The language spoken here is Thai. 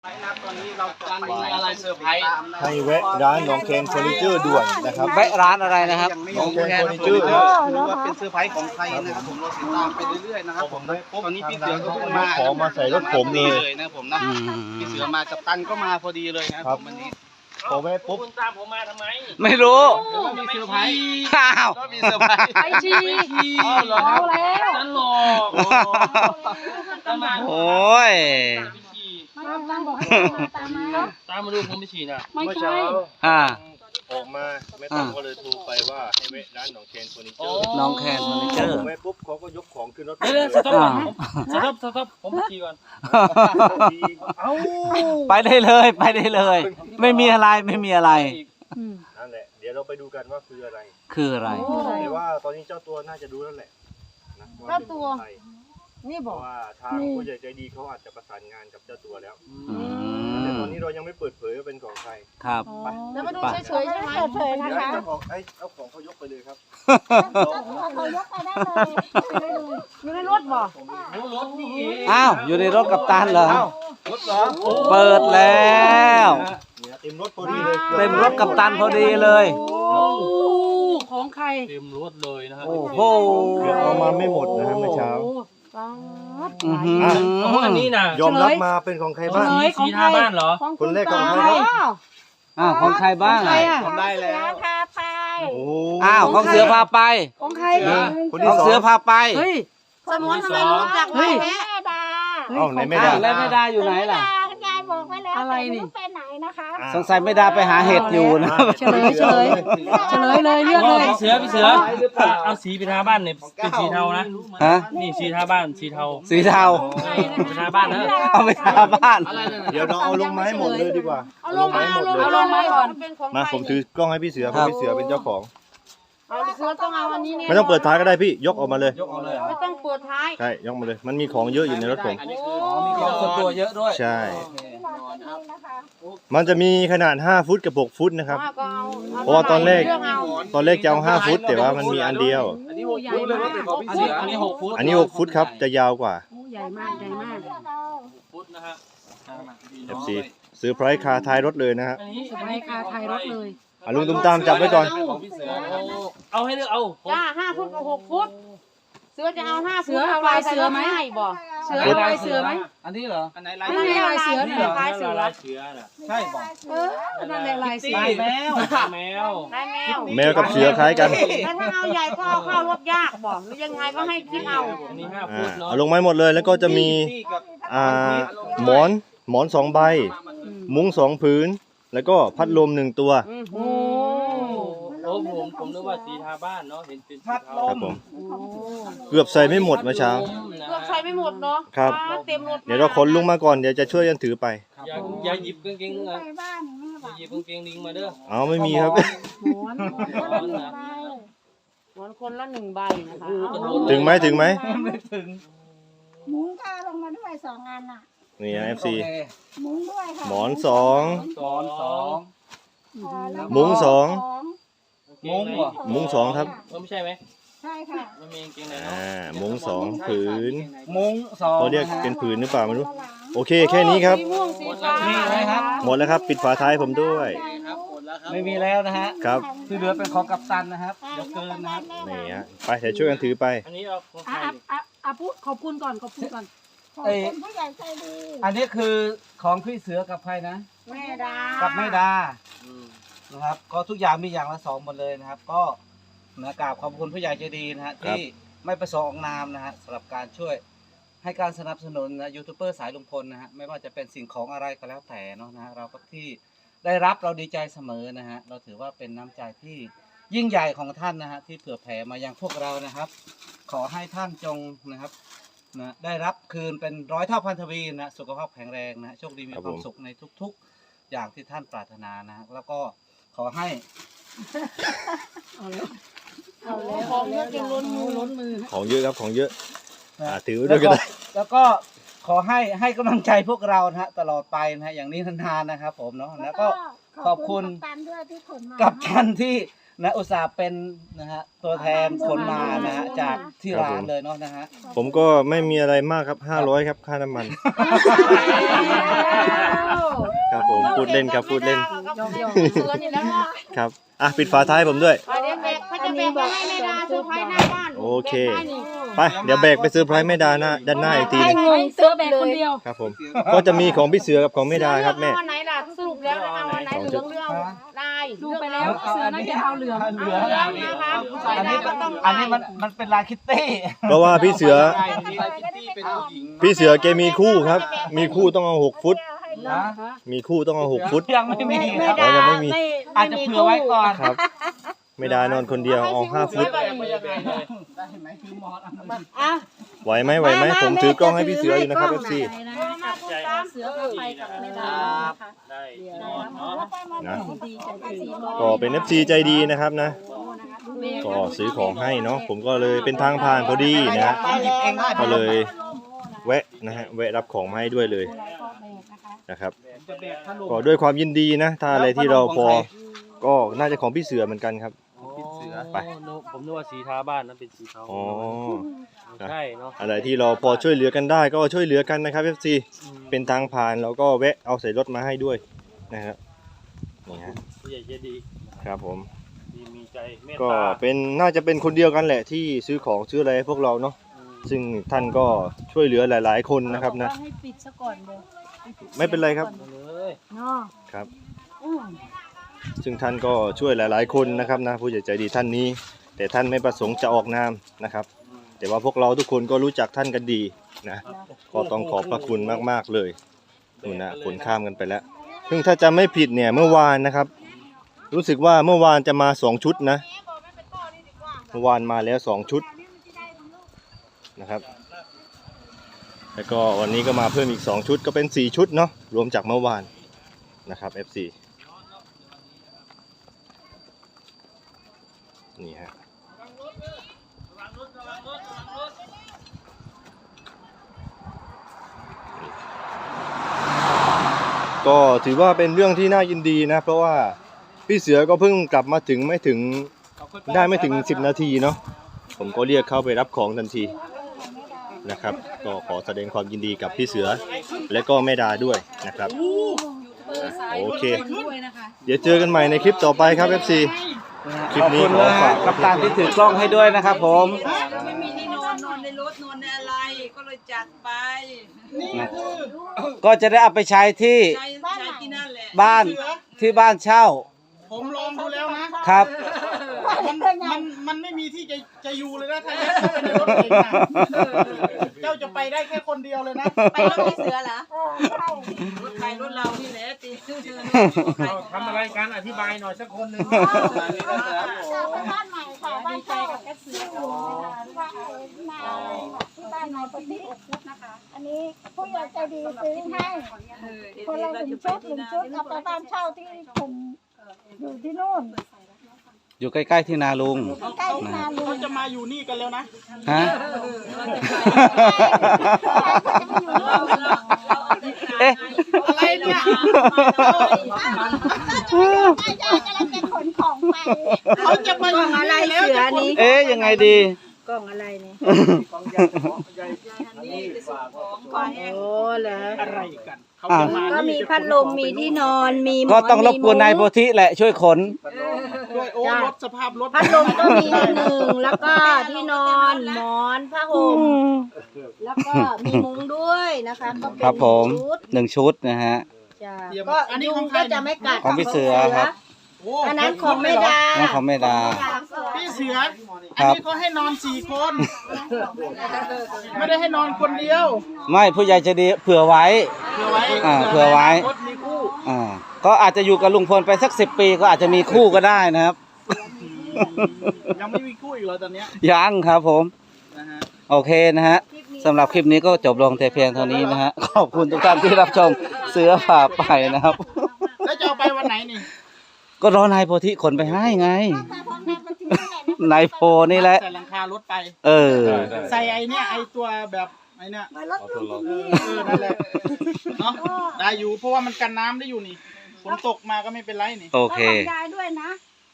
ตอนนี้เราจะไปอะไรเซอร์ไพรส์ให้แวะร้านหนองแคนเฟอร์นิเจอร์ด่วนนะครับแวะร้านอะไรนะครับหนองแคนเฟอร์นิเจอร์หรือว่าเป็นเซอร์ไพรส์ของใครนะครับผมเราติดตามไปเรื่อยๆนะครับผมตอนนี้พี่เสือก็เพิ่งมาของมาใส่รถผมเลยนะครับผมนะพี่เสือมากับตันก็มาพอดีเลยนะครับผมวันนี้พอแวะปุ๊บคุณตามผมมาทำไมไม่รู้ก็มีเซอร์ไพรส์อ้าวก็มีเซอร์ไพรส์ไปชีเอาแล้วนั่นหรอกตามมาโอ้ยไปฉี่ตามบอกให้ตามมาตามมาดูผมไปฉี่น่ะไม่เมื่อใช่เช้าอ่าออกมาแม่ตั้มก็เลยโทรไปว่าให้แวะร้านหนองแคนเฟอร์นิเจอร์น้องแคนเฟอร์นิเจอร์แวะปุ๊บเขาก็ยกของขึ้นรถเดี๋ยวสต๊อปก่อนสต๊อปผมไปฉี่ก่อนเอ้าไปได้เลยไปได้เลย ไม่มีอะไรไม่มีอะไรนั่นแหละเดี๋ยวเราไปดูกันว่าคืออะไรคืออะไรแต่ว่าตอนนี้เจ้าตัวน่าจะรู้แล้วแหละนะว่าเป็นของใครนี่เพบอกราะว่าทางผู้ใหญ่ใจดีเขาอาจจะประสานงานกับเจ้าตัวแล้วอืแต่มตอนนี้เรายังไม่เปิดเผยว่าเป็นของใครครับแล้วมาดูเฉยๆใช่ไหมเฉยๆเดี๋นะยวคะเจ้าของเอาของเขายกไปเลยครับเขายกไปได้เลยอยู่ในรถบอกรถนี่เองอ้าวอยู่ในรถกับตันเหรอรถเหรอเปิดแล้วเนี่ยเต็มรถพอดีเลยเต็มรถกับตันพอดีเลยโอ้ของใครเต็มรถเลยนะครับโอ้โหเดี๋ยวเอามาไม่หมดนะฮะเมื่อเช้าป๊าดอื้อหือโอ้อันนี้น่ะยอมรับมาเป็นของใครบ้างสีทาบ้านเหรอคนแรกของใครอ้าวของใครบ้างใครอ่ะทำได้แล้วพาไปโอ้อ้าวของเสือพาไปของใครคนขที่องสองเสือพาไปเฮ้ยสมอนทำไมรู้จักแม่ดาเอ้าไหนไม่ได้อ้าวแล้วไม่ได้อยู่ไหนล่ะยายบอกไว้แล้วอะไรนี่ไปไหนนะคะสงสัยไม่ได้ไปหาเห็ดอยู่นะเฉลยเลยเลือกเลยพี่เสือเอาสีไปทาบ้านเนี่ยเป็นสีเทานะฮะนี่สีทาบ้านสีเทาสีเทาไปทาบ้านนะเอาไปทาบ้านเดี๋ยวเราเอาลงไม้หมดเลยดีกว่าเอาลงมาหมดเลยเอาลงมาก่อนเป็นของมาใครผมถือกล้องให้พี่เสือเพราะพี่เสือเป็นเจ้าของเอาเสือต้องเอาอันนี้เนี่ยไม่ต้องเปิดท้ายก็ได้พี่ยกออกมาเลยยกเอาเลยไม่ต้องเปิดท้ายใช่ยกมาเลย มันมีของเยอะอยู่ในรถผมอันนี้คือมีของส่วนตัวเยอะด้วยใช่นะคะมันจะมีขนาด5ฟุตกับ6ฟุตนะครับก็เอาเพราะว่าตอนแรกเลือกเอาตอนแรกจะเอา5ฟุตแต่ว่ามันมีอันเดียวอันนี้6 ฟุตเลยว่าเป็นของพี่เสืออันนี้6 ฟุตอันนี้6ฟุตครับจะยาวกว่าโอ้ใหญ่มากใหญ่มากพุทธนะฮะ FC ซื้อไพรส์คาท้ายรถเลยนะฮะอันนี้สบายคาไทยรถเลยอ่ะลุงตุ้มตามจับไว้ก่อนเป็นของพี่เสือนะครับเอาให้เลือกเอาจ้า5 ฟุตกับ6 ฟุต เสือจะเอา5 ฟุตเสือเอาลายเสือไหมบ่เสืเสืออลายเสือไหมอันนี้เหรออันไหนลายไม่มีลายเสือนี่ลายเสือลายเสือน่ะใช่ป่ะนั่นแหละลายเสือลายแมวแมวลายแมวแมวกับเสือคล้ายกันแล้วถ้าเอาใหญ่ก็เอาเข้ารถยากบ่หรือยังไงก็ให้คิดเอาอันนี้5 อ่าฟุตเนาะเอาลงไม้หมดเลยแล้วก็จะมีพี่กับหมอน2ใบ มุ้ง2ผืน แล้วก็พัดลม1ตัวโอ้โอ้ผมนึกว่าสีทาบ้านเนาะเห็นเป็นสีเทาครับผมเกือบใส่ไม่หมดเมื่อเช้าเกือบใช้ไม่หมดเนาะครับเต็มรถเดี๋ยวเราขนลุงมาก่อนเดี๋ยวจะช่วยกันถือไปอย่าหยิบกางเกงนะไปบ้านนี่อย่าหยิบกางเกงลิงมาเด้อเอาไม่มีครับหมอนร้อนนะหมอนคนละ1 ใบนะคะถึงไหมมุ้งก็ลงมาด้วย2 อันน่ะนี่นะ FC มุ้งด้วยค่ะหมอนสองแล้วก็มุ้งสองมุ้งเหรอ 2มุ้ง2ครับไม่ใช่ไหมใช่ค่ะมันมีกางเกงไหนเนาะมุ้ง2ผืนมุ้งสองเขาเรียกเป็นผืนหรือเปล่าไม่รู้โอเคแค่นี้ครับสีม่วงสีฟ้ามีไหมครับหมดแล้วครับปิดฝาท้ายผมด้วยครับหมดแล้วครับไม่มีแล้วนะฮะครับที่เหลือเป็นของกัปตันนะครับเดี๋ยวเกินนะครับนี่ฮะไปเดี๋ยวช่วยกันถือไปอันนี้เอาของใครพูดขอบคุณก่อนขอบคุณก่อนขอบคุณผู้ใหญ่ใจดีอันนี้คือของพี่เสือกับใครนะแม่ดากับแม่ดานะครับ ก็ทุกอย่างมีอย่างละสองหมดเลยนะครับ ก็นะกราบขอบคุณผู้ใหญ่ใจดีนะฮะครับที่ไม่ประสงค์ออกนามนะฮะสำหรับการช่วยให้การสนับสนุนนะยูทูบเบอร์สายลุงพลนะฮะไม่ว่าจะเป็นสิ่งของอะไรก็แล้วแต่เนาะนะฮะเราก็ที่ได้รับเราดีใจเสมอนะฮะเราถือว่าเป็นน้ำใจที่ยิ่งใหญ่ของท่านนะฮะที่เผื่อแผ่มายังพวกเรานะครับ ขอให้ท่านจงนะครับนะได้รับคืนเป็น100 เท่าพันทวีนะสุขภาพแข็งแรงนะโชคดีมีครับควาผม มสุขในทุกๆ อย่างที่ท่านปรารถนานะแล้วก็ขอให้ของเยอะจนล้นมือของเยอะครับของเยอะนะถือไว้ด้วยก็ได้แล้วก็ขอให้กำลังใจพวกเรานะฮะตลอดไปนะฮะอย่างนี้นานๆนะครับผมเนาะแล้วก็ขอบคุณกัปตันด้วยที่ขนมากับท่านที่นะอุตส่าห์เป็นนะฮะตัวแทนขนมานะฮะจากที่ร้านเลยเนาะนะฮะผมก็ไม่มีอะไรมากครับ500ครับค่าน้ำมัน ครับผมพูดเล่นครับพูดเล่น ครับอ่ะปิดฝาท้ายผมด้วยเขาจะแบกไปให้แม่ดาเซอร์ไพรส์หน้าบ้านโอเคไปเดี๋ยวแบกไปเซอร์ไพรส์แม่ดาหน้าด้านหน้าอีกทีหนึงเสือแบกคนเดียวครับผมก็จะมีของพี่เสือกับของแม่ดาครับแม่เอาอันไหนล่ะสรุปแล้วเอาอันไหนเหลืองเรื่องลายดูไปแล้วเสือน่าจะเอาเหลืองเหลืองนะคะอันนี้มันเป็นลายคิตตี้เพราะว่าพี่เสือเป็นผู้หญิงพี่เสือแกมีคู่ครับ มีคู่ต้องเอา6 ฟุตนะมีคู่ต้องเอา6 ฟุตยังไม่มีคแม่รับดายังไม่มีอาจจะเผื่อไว้ก่อนครับแม่ดานอนคนเดียวเอา5 ฟุตอ่ะไหวไหมไหวไหมผมถือกล้องให้พี่เสืออยู่นะครับ FC เสือไปกับแม่ดาได้นอนเนาะนะก็เป็น FC ใจดีนะครับนะ ก็ซื้อของให้เนาะผมก็เลยเป็นทางผ่านพอดีนะฮะหยิบเองได้ก็เลยแวะนะฮะแวะรับของมาให้ด้วยเลยนะครับจะแบกขนมก็ด้วยความยินดีนะ ถ้าอะไรที่เราพอก็น่าจะของพี่เสือเหมือนกันครับเสือไปผมนึกว่าสีทาบ้านนั้นเป็นสีเทาอ๋อใช่เนาะอะไรที่เราพอช่วยเหลือกันได้ก็ช่วยเหลือกันนะครับ FC เป็นทางผ่านเราก็แวะเอาใส่รถมาให้ด้วยนะครับนี่ฮะผู้ใหญ่ใจดีครับผมดีมีใจเมตก็ตาเป็นน่าจะเป็นคนเดียวกันแหละที่ซื้อของซื้ออะไรให้พวกเราเนาะซึ่งท่านก็ช่วยเหลือหลาย ๆ คนนะครับนะให้ปิดซะก่อนเดี๋ยวไม่เป็นไรครับเลยเนาะครับ ซึ่งท่านก็ช่วยหลาย ๆ คนนะครับนะผู้ใหญ่ใจดีท่านนี้ แต่ท่านไม่ประสงค์จะออกนามนะครับ แต่ว่าพวกเราทุกคนก็รู้จักท่านกันดีนะก็ต้องขอบพระคุณมาก ๆ เลยนู่นนะขนข้ามกันไปแล้วซึ่งถ้าจำไม่ผิดเนี่ยเมื่อวานนะครับ รู้สึกว่าเมื่อวานจะมา2 ชุดนะเมื่อวานมาแล้ว2 ชุดนะครับแล้วก็วันนี้ก็มาเพิ่มอีก2 ชุดก็เป็น4 ชุดเนาะรวมจากเมื่อวานนะครับ FC นี่ฮะก็ถือว่าเป็นเรื่องที่น่ายินดีนะเพราะว่าพี่เสือก็เพิ่งกลับมาถึงไม่ถึง10 นาทีเนาะผมก็เรียกเข้าไปรับของทันทีนะครับก็ขอแสดงความยินดีกับพี่เสือและก็แม่ดาด้วยนะครับโอเคเดี๋ยวเจอกันใหม่ในคลิปต่อไปครับ FC คลิขปอบนี้คุณขอนะฝาฮะกกับตามที่ถือกล้องให้ด้วยนะครับผมไม่มีที่นอนในรถนอนในอะไรก็เลยจัดไปก็จะได้เอาไปใช้ที่ใช้ที่นั่นแหละบ้านที่บ้านเช่าผมลองดูแล้วนะครับ มันไม่มีที่จะอยู่เลยนะถ้ายัดเข้าไปในรถเองนะเจ้าจะไปได้แค่คนเดียวเลยนะไปรถพี่เสือเหรอรถใครรถเรานี่แหละตีทำอะไรกันอธิบายหน่อยสักคนหนึ่งบ้านใหม่ค่ะบ้านเช่าเสืออยู่นะคะที่บ้านนายปฏินะคะ อันนี้ผู้ใหญ่ใจดีซื้อให้คนละ1 ชุดเอาไปบ้านเช่าที่ผมอยู่ที่นู่นอยู่ใกล้ๆที่นาลุงใกล้ๆที่นาลุงเขาจะมาอยู่นี่กันแล้วนะฮะ เอ๊ะอะไรเนี่ยป้ายายกำลังจะขนของไปเขาจะมาอยู่นี่แล้วจะคนเอ๊ะยังไงดีกล่องอะไรเนี่ยโอ้เหรออะไรกันเขาอ่ะจะมาก็มีพัดลมมีที่นอนมีก็ต้องรบกวนนายโพธิแหละช่วยขนด้วยโอ้รถสภาพรถพัดลมก็มี1แล้วก็ที่นอนหมอนผ้าห่มแล้วก็มีมุ้งด้วยนะคะก็เป็นครับผมชุด 1 ชุดนะฮะจ้ะก็ยุงก็จะไม่กัดของพี่เสือครับโอ้อันนั้นของแม่ดาน้องของแม่ดาพี่เสือ อันนี้เขาให้นอน4 คน ไม่ได้ให้นอนคนเดียวไม่ผู้ใหญ่ใจะดีเผื่อไว้เผื่อไว้เผื่อไว้รถมีคู่ก็อาจจะอยู่กับลุงพลไปสัก10 ปีก็อาจจะมีคู่ก็ได้นะครับยังไม่มีคู่อีกเหรอตอนเนี้ยยังครับผมนะฮะโอเคนะฮะสำหรับคลิปนี้ก็จบลงแต่เพียงเท่านี้นะฮะ ขอบคุณทุกท่านที่รับชมเสือผ่าไปนะครับแล้วจะเอาไปวันไหนนี่ก็รอนายโพธิขนไปให้ไง นายโพนี่แหละใส่หลังคารถไปเออใส่ไอเนี้ยไอตัวแบบไอเนี้ยรถลุงที่นี่นั่นแหละเนาะได้อยู่เพราะว่ามันกันน้ำได้อยู่นี่ฝนตกมาก็ไม่เป็นไรนี่โอเคของยายด้วยนะ